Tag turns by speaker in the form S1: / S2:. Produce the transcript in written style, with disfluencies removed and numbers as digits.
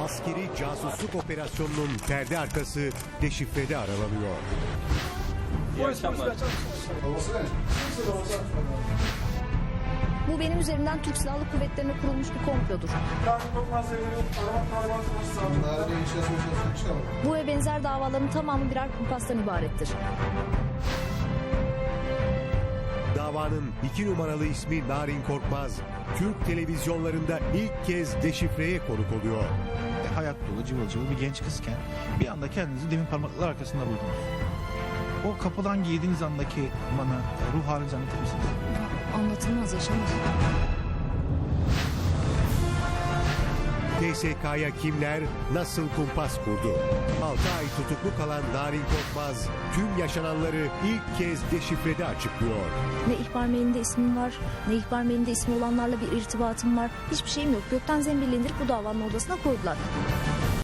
S1: Askeri casusluk operasyonunun perde arkası deşifrede aralanıyor.
S2: İyi akşamlar.
S3: Bu benim üzerimden Türk Silahlı Kuvvetleri'ne kurulmuş bir komplodur. Bu ve benzer davaların tamamı birer kumpastan ibarettir.
S1: Davanın 2 numaralı ismi Narin Korkmaz, Türk televizyonlarında ilk kez deşifreye konuk oluyor.
S4: Hayat dolu, cıvıl cıvıl bir genç kızken bir anda kendinizi demir parmaklar arkasında buldunuz. O kapıdan girdiğiniz andaki bana ruh halinizi anlatır mısınız?
S3: Anlatılmaz, yaşanır.
S1: TSK'ya kimler nasıl kumpas kurdu? 6 ay tutuklu kalan Narin Korkmaz tüm yaşananları ilk kez deşifrede açıklıyor.
S3: Ne ihbar mailinde ismim var, ne ihbar mailinde ismi olanlarla bir irtibatım var. Hiçbir şeyim yok. Gökten zembille indirip bu davanın odasına koydular.